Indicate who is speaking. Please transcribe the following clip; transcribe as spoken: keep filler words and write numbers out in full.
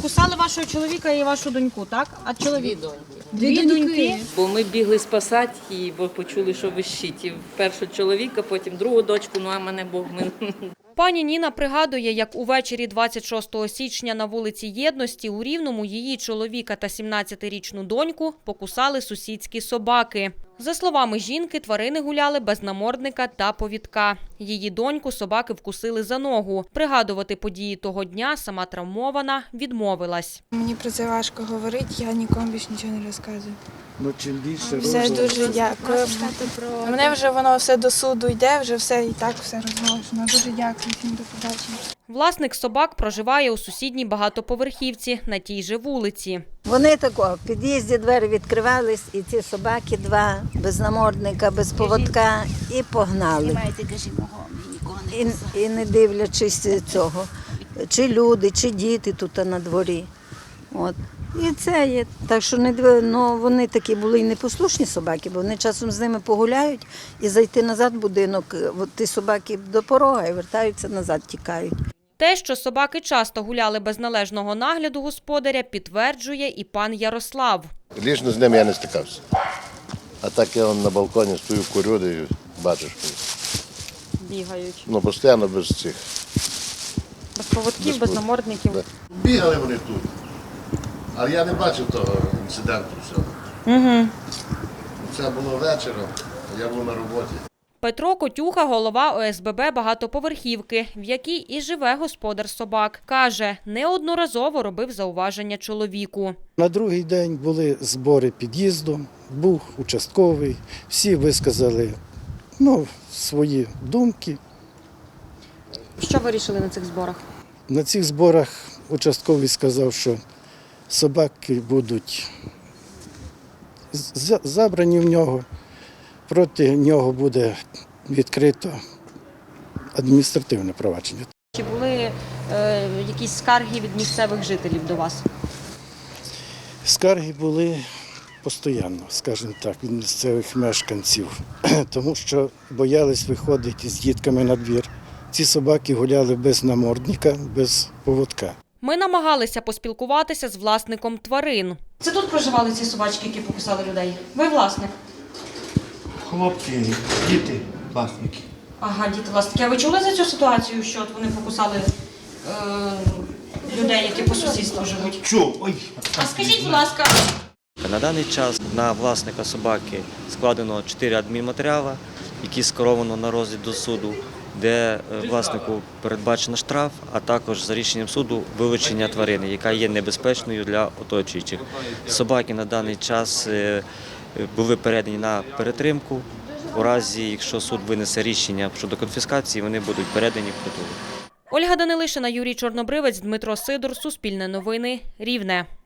Speaker 1: Покусали вашого чоловіка і вашу доньку, так? А чоловік?
Speaker 2: Дві доньки.
Speaker 1: Дві доньки.
Speaker 2: Бо ми бігли спасати її, бо почули, що вищить. І першого чоловіка, потім другу дочку, ну а мене Бог мин.
Speaker 1: Пані Ніна пригадує, як увечері двадцять шостого січня на вулиці Єдності у Рівному її чоловіка та сімнадцятирічну доньку покусали сусідські собаки. За словами жінки, тварини гуляли без намордника та повідка. Її доньку собаки вкусили за ногу. Пригадувати події того дня сама травмована відмовилась.
Speaker 3: Мені про це важко говорити, я нікому більше нічого не розказую.
Speaker 4: Ну, чим більше
Speaker 3: Все
Speaker 4: розуму.
Speaker 3: дуже дякую. Мене вже воно все до суду йде, вже все і так все розголошено. Дуже дякую всім, до побачення.
Speaker 1: Власник собак проживає у сусідній багатоповерхівці на тій же вулиці.
Speaker 5: Вони тако, в під'їзді двері відкривались, і ці собаки два, без намордника, без поводка, і погнали. І, і не дивлячись цього, чи люди, чи діти тут на дворі. От. І це є. Так що не див... ну, вони такі були і непослушні собаки, бо вони часом з ними погуляють і зайти назад в будинок. От ті собаки до порога і вертаються назад, тікають.
Speaker 1: Те, що собаки часто гуляли без належного нагляду господаря, підтверджує і пан Ярослав.
Speaker 6: Лічно з ними я не стикався. А так я на балконі стою, курю, і батюшкою.
Speaker 1: Бігають.
Speaker 6: Ну, постійно без цих.
Speaker 1: Без поводків, без,
Speaker 6: без
Speaker 1: намордників.
Speaker 6: Да. Бігали вони тут. Але я не бачив того інциденту всього.
Speaker 1: Угу.
Speaker 6: Це було вечором, а я був на роботі.
Speaker 1: Петро Котюха – голова О С Б Б багатоповерхівки, в якій і живе господар собак. Каже, неодноразово робив зауваження чоловіку.
Speaker 4: На другий день були збори під'їзду, був участковий, всі висказали ну, свої думки.
Speaker 1: Що вирішили на цих зборах?
Speaker 4: На цих зборах участковий сказав, що собаки будуть з- забрані в нього, проти нього буде відкрито адміністративне провадження.
Speaker 1: Чи були е, якісь скарги від місцевих жителів до вас?
Speaker 4: Скарги були постійно, скажімо так, від місцевих мешканців, тому що боялись виходити з дітками на двір. Ці собаки гуляли без намордника, без поводка.
Speaker 1: Ми намагалися поспілкуватися з власником тварин. Це тут проживали ці собачки, які покусали людей? Ви власник?
Speaker 7: Хлопці, діти, власники.
Speaker 1: Ага, діти власники. А ви чули за цю ситуацію, що от вони покусали е, людей, які по сусідству живуть?
Speaker 7: Чув, ой.
Speaker 1: А скажіть, будь ласка.
Speaker 8: На даний час на власника собаки складено чотири адмінматеріали, які скеровано на розгляд до суду, де власнику передбачено штраф, а також за рішенням суду вилучення тварини, яка є небезпечною для оточуючих. Собаки на даний час були передані на перетримку. У разі, якщо суд винесе рішення щодо конфіскації, вони будуть передані в притулок.
Speaker 1: Ольга Данилишина, Юрій Чорнобривець, Дмитро Сидор, Суспільне новини, Рівне.